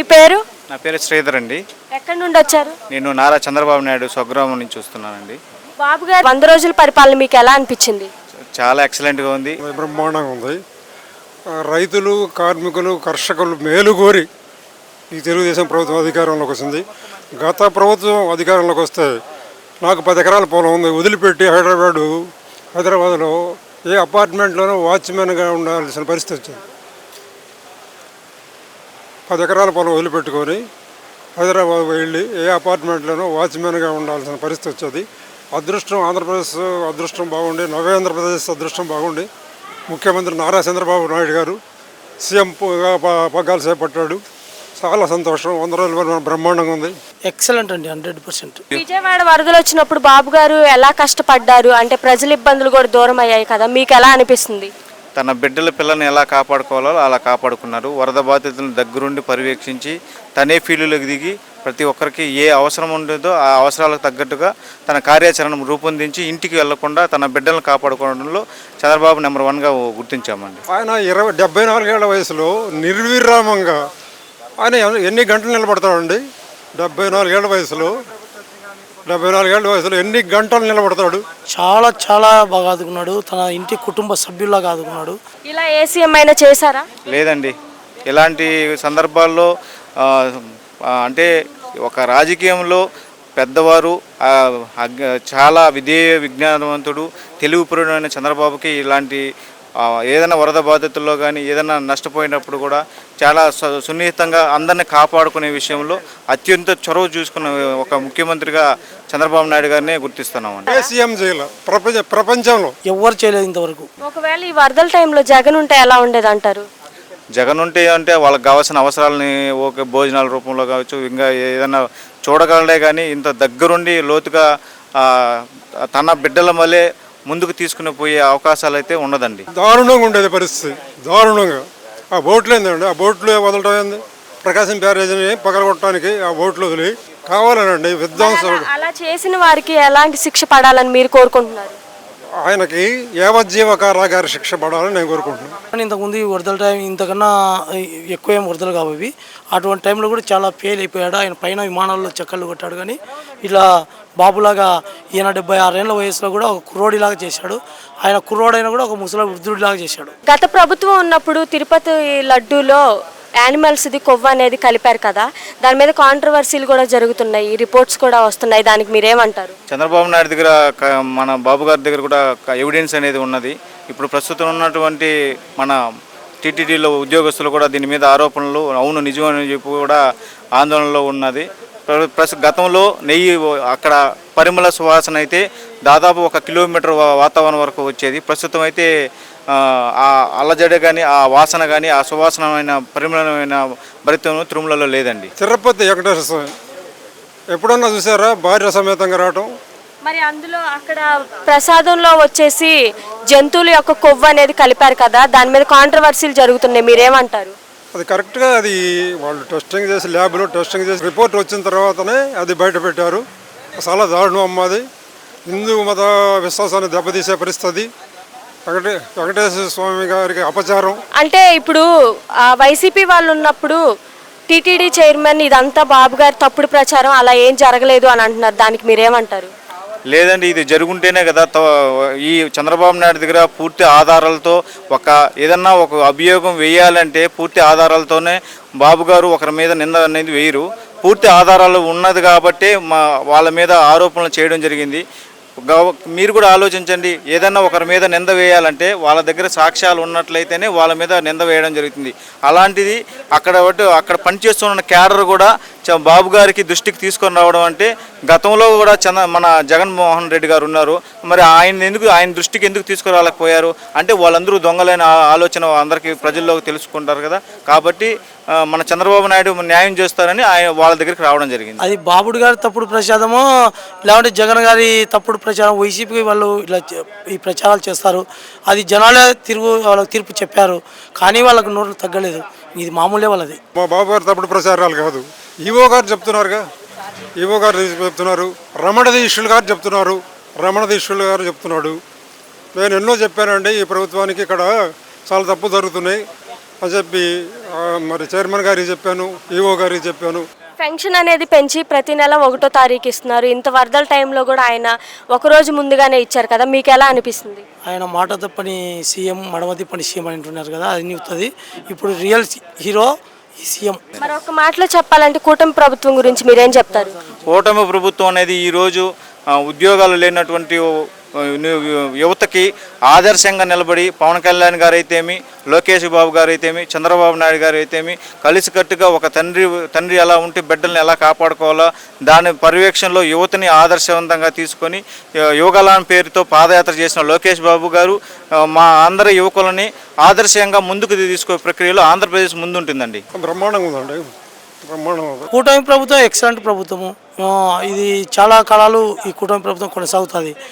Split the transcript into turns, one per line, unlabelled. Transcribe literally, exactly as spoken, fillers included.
మీ పేరు?
నా పేరు శ్రీధర్ అండి.
ఎక్కడి నుండి వచ్చారు?
నేను నారా చంద్రబాబు నాయుడు స్వగ్రామం నుంచి చూస్తున్నానండి.
బాబు గారు వంద రోజుల పరిపాలన మీకు ఎలా అనిపించింది?
చాలా ఎక్సలెంట్గా ఉంది,
బ్రహ్మాండంగా ఉంది. రైతులు, కార్మికులు, కర్షకులు మేలు కోరి ఈ తెలుగుదేశం ప్రభుత్వం అధికారంలోకి వచ్చింది. గత ప్రభుత్వం అధికారంలోకి వస్తే నాకు పది ఎకరాల పొలం ఉంది, వదిలిపెట్టి హైదరాబాదు హైదరాబాద్లో ఏ అపార్ట్మెంట్లోనూ వాచ్మెన్గా ఉండాల్సిన పరిస్థితి వచ్చింది. పది ఎకరాల పొలం వదిలిపెట్టుకొని హైదరాబాద్ వెళ్ళి ఏ అపార్ట్మెంట్లోనూ వాచ్మెన్గా ఉండాల్సిన పరిస్థితి వచ్చేది. అదృష్టం ఆంధ్రప్రదేశ్ అదృష్టం బాగుండి, నవేంద్రప్రదేశ్ అదృష్టం బాగుండి ముఖ్యమంత్రి నారా చంద్రబాబు నాయుడు గారు సీఎంగా పగ్గాలు చేపట్టాడు. చాలా సంతోషం. వంద రోజుల బ్రహ్మాండంగా ఉంది.
ఎక్సలెంట్ అండి, హండ్రెడ్ పర్సెంట్.
విజయవాడ వరదలు వచ్చినప్పుడు బాబు గారు ఎలా కష్టపడ్డారు? అంటే ప్రజల ఇబ్బందులు కూడా దూరం అయ్యాయి కదా, మీకు ఎలా అనిపిస్తుంది?
తన బిడ్డల పిల్లల్ని ఎలా కాపాడుకోవాలో అలా కాపాడుకున్నారు. వరద బాధితులను దగ్గరుండి పర్యవేక్షించి తనే ఫీల్డ్లోకి దిగి ప్రతి ఒక్కరికి ఏ అవసరం ఉండేదో ఆ అవసరాలకు తగ్గట్టుగా తన కార్యాచరణ రూపొందించి ఇంటికి వెళ్లకుండా తన బిడ్డలను కాపాడుకోవడంలో చంద్రబాబు నెంబర్ వన్గా గుర్తించామండి.
ఆయన ఇరవై డెబ్బై నాలుగేళ్ల వయసులో నిర్విరామంగా ఆయన ఎన్ని గంటలు నిలబడతాడండి? డెబ్బై నాలుగేళ్ల వయసులో డెబ్బై నాలుగేళ్ల వయసులో ఎన్ని గంటలు నిలబడతాడు? చాలా
చాలా బాగా ఆదుకున్నాడు. తన ఇంటి కుటుంబ సభ్యుల్లాగా ఆదుకున్నాడు.
ఇలా ఏ సీఎం అయినా చేశారా?
లేదండి. ఇలాంటి సందర్భాల్లో అంటే ఒక రాజకీయంలో పెద్దవారు చాలా విధేయ విజ్ఞానవంతుడు తెలివిపూర్ణమైన చంద్రబాబుకి ఇలాంటి ఏదైనా వరద బాధితుల్లో కానీ ఏదైనా నష్టపోయినప్పుడు కూడా చాలా సున్నితంగా అందరిని కాపాడుకునే విషయంలో అత్యంత చొరవ చూసుకున్న ఒక ముఖ్యమంత్రిగా చంద్రబాబు నాయుడు గారినే గుర్తిస్తున్నామండి.
ప్రపంచంలో
ఎవరు చేయలేదు ఇంతవరకు.
ఒకవేళ ఈ వరదల టైంలో జగన్ ఉంటే ఎలా ఉండేది అంటారు?
జగన్ ఉంటే అంటే వాళ్ళకి కావాల్సిన అవసరాలని ఓకే భోజనాల రూపంలో కావచ్చు, ఇంకా ఏదైనా చూడగలడే కానీ ఇంత దగ్గరుండి లోతుగా తన బిడ్డల వల్లే ముందుకు తీసుకుని పోయే అవకాశాలు అయితే ఉండదండి.
దారుణంగా ఉండేది పరిస్థితి, దారుణంగా. ఆ బోట్లు ఏందండి, ఆ బోట్లు వదలటం ఏంది? ప్రకాశం బ్యారేజ్ని పగలగొట్టడానికి ఆ బోట్లు వదిలి కావాలనండి విధ్వంసం.
అలా చేసిన వారికి ఎలాంటి శిక్ష పడాలని మీరు కోరుకుంటున్నారు?
ఆయనకి యావజ్జీవ కారాగార శిక్ష పడాలని నేను కోరుకుంటున్నాను.
ఇంతకుముందు ఈ వరదల టైం ఇంతకన్నా ఎక్కువ ఏం వరదలు కావు. అటువంటి టైంలో కూడా చాలా ఫెయిల్ అయిపోయాడు. ఆయన పైన విమానాల్లో చక్కర్లు కొట్టాడు. కానీ ఇలా బాబులాగా ఈయన డెబ్బై ఆరేళ్ల వయసులో కూడా ఒక కుర్రోడిలాగా చేశాడు. ఆయన కుర్రోడైనా కూడా ఒక ముసలి వృద్ధుడిలాగా చేశాడు.
గత ప్రభుత్వం ఉన్నప్పుడు తిరుపతి లడ్డూలో యానిమల్స్ది కొవ్వు అనేది కలిపారు కదా, దాని మీద కాంట్రవర్సీలు కూడా జరుగుతున్నాయి, రిపోర్ట్స్ కూడా వస్తున్నాయి. దానికి మీరేమంటారు?
చంద్రబాబు నాయుడు దగ్గర మన బాబు గారి దగ్గర కూడా ఎవిడెన్స్ అనేది ఉన్నది. ఇప్పుడు ప్రస్తుతం ఉన్నటువంటి మన టీటీడీలో ఉద్యోగస్తులు కూడా దీని మీద ఆరోపణలు అవును నిజమని చెప్పి కూడా ఆందోళనలో ఉన్నది. ప్లస్ గతంలో నెయ్యి అక్కడ పరిమళ సువాసన అయితే దాదాపు ఒక కిలోమీటర్ వాతావరణం వరకు వచ్చేది. ప్రస్తుతం అయితే ఆ అల్లజడ కానీ ఆ వాసన కానీ ఆ సువాసనమైన పరిమళమైన భరితం తిరుమలలో లేదండి.
తిరుపతి వెంకటేశ్వర స్వామి ఎప్పుడన్నా చూసారా భార్య సమేతంగా రావటం?
మరి అందులో అక్కడ ప్రసాదంలో వచ్చేసి జంతువుల యొక్క కొవ్వు అనేది కలిపారు కదా, దాని మీద కాంట్రవర్సీలు జరుగుతున్నాయి, మీరేమంటారు?
అది కరెక్ట్గా అది వాళ్ళు టెస్టింగ్ చేసి ల్యాబ్లో టెస్టింగ్ చేసి రిపోర్ట్ వచ్చిన తర్వాతనే అది బయట పెట్టారు. చాలా దారుణం అమ్మది. హిందూ మత విశ్వాసాన్ని దెబ్బతీసే పరిస్థితి. వెంకటే వెంకటేశ్వర స్వామి గారికి అపచారం.
అంటే ఇప్పుడు వైసీపీ వాళ్ళు ఉన్నప్పుడు టీటీడీ చైర్మన్ ఇదంతా బాబు గారి తప్పుడు ప్రచారం, అలా ఏం జరగలేదు అని అంటున్నారు, దానికి మీరేమంటారు?
లేదండి, ఇది జరుగుంటేనే కదా ఈ చంద్రబాబు నాయుడు దగ్గర పూర్తి ఆధారాలతో ఒక ఏదన్నా ఒక అభియోగం వేయాలంటే పూర్తి ఆధారాలతోనే బాబు గారు ఒకరి మీద నింద అనేది వేయరు. పూర్తి ఆధారాలు ఉన్నది కాబట్టి మా వాళ్ళ మీద ఆరోపణలు చేయడం జరిగింది. మీరు కూడా ఆలోచించండి, ఏదన్నా ఒకరి మీద నింద వేయాలంటే వాళ్ళ దగ్గర సాక్ష్యాలు ఉన్నట్లయితేనే వాళ్ళ మీద నింద వేయడం జరుగుతుంది. అలాంటిది అక్కడ అక్కడ పనిచేస్తున్న క్యాడర్ కూడా బాబు గారికి దృష్టికి తీసుకొని రావడం అంటే గతంలో కూడా చంద్ర మన జగన్మోహన్ రెడ్డి గారు ఉన్నారు, మరి ఆయన ఎందుకు ఆయన దృష్టికి ఎందుకు తీసుకురాలేకపోయారు అంటే వాళ్ళందరూ దొంగలైన ఆలోచన అందరికీ ప్రజల్లోకి తెలుసుకుంటారు కదా. కాబట్టి మన చంద్రబాబు నాయుడు న్యాయం చేస్తారని ఆయన వాళ్ళ దగ్గరికి రావడం జరిగింది.
అది బాబుడు గారి తప్పుడు ప్రచారమో లేకుంటే జగన్ గారి తప్పుడు ప్రచారం, వైసీపీ వాళ్ళు ఇలా ఈ ప్రచారాలు చేస్తారు. అది జనాలే తిరుగు వాళ్ళకి తీర్పు చెప్పారు, కానీ వాళ్ళకు నోట్లు తగ్గలేదు. ఇది మామూలే వాళ్ళది.
మా బాబు గారు తప్పుడు ప్రచారాలు కాదు, ఈవో గారు చెప్తున్నారుగా, ఈవో గారు చెప్తున్నారు, రమణదీక్షులు గారు చెప్తున్నారు, రమణదీక్షులు గారు చెప్తున్నాడు. నేను ఎన్నో చెప్పానండి, ఈ ప్రభుత్వానికి ఇక్కడ చాలా తప్పు జరుగుతున్నాయి, అని చెప్పి ఆ, మరి చైర్మన్ గారికి చెప్పాను, ఈఓ గారికి చెప్పాను.
పెన్షన్ అనేది పెంచి ప్రతి నెల ఒకటో తారీఖు ఇస్తున్నారు. ఇంత వరదల టైంలో కూడా ఆయన ఒక రోజు ముందుగానే ఇచ్చారు కదా, మీకు ఎలా అనిపిస్తుంది?
ఆయన మాట తప్పని సీఎం, మడమ తిప్పని సీఎం అని అంటున్నారు కదా, అది నిగుతుంది. ఇప్పుడు రియల్ హీరో ఈ సీఎం.
మరి ఒక మాటలో చెప్పాలంటే కూటమి ప్రభుత్వం గురించి మీరేం చెప్తారు?
కూటమి ప్రభుత్వం అనేది ఈరోజు ఆ, ఉద్యోగాలు లేనటువంటి ఆ, యువతకి ఆదర్శంగా నిలబడి పవన్ కళ్యాణ్ గారు అయితేమి, లోకేష్ బాబు గారు అయితేమి, చంద్రబాబు నాయుడు గారు అయితేమి కలిసికట్టుగా ఒక తండ్రి తండ్రి ఎలా ఉంటే బిడ్డల్ని ఎలా కాపాడుకోవాలో దాని పర్యవేక్షణలో యువతని ఆదర్శవంతంగా తీసుకొని ఆ, యువగలాన్ పేరుతో పాదయాత్ర చేసిన లోకేష్ బాబు గారు ఆ, మా అందరి యువకులని ఆదర్శంగా ముందుకు తీసుకునే ప్రక్రియలో ఆంధ్రప్రదేశ్ ముందుంటుందండి.
బ్రహ్మాండంగా ఉందండి, బ్రహ్మాండం.
కూటమి ప్రభుత్వం ఎక్సలెంట్ ప్రభుత్వము. ఆ, ఇది చాలా కాలాలు ఈ కూటమి ప్రభుత్వం కొనసాగుతుంది.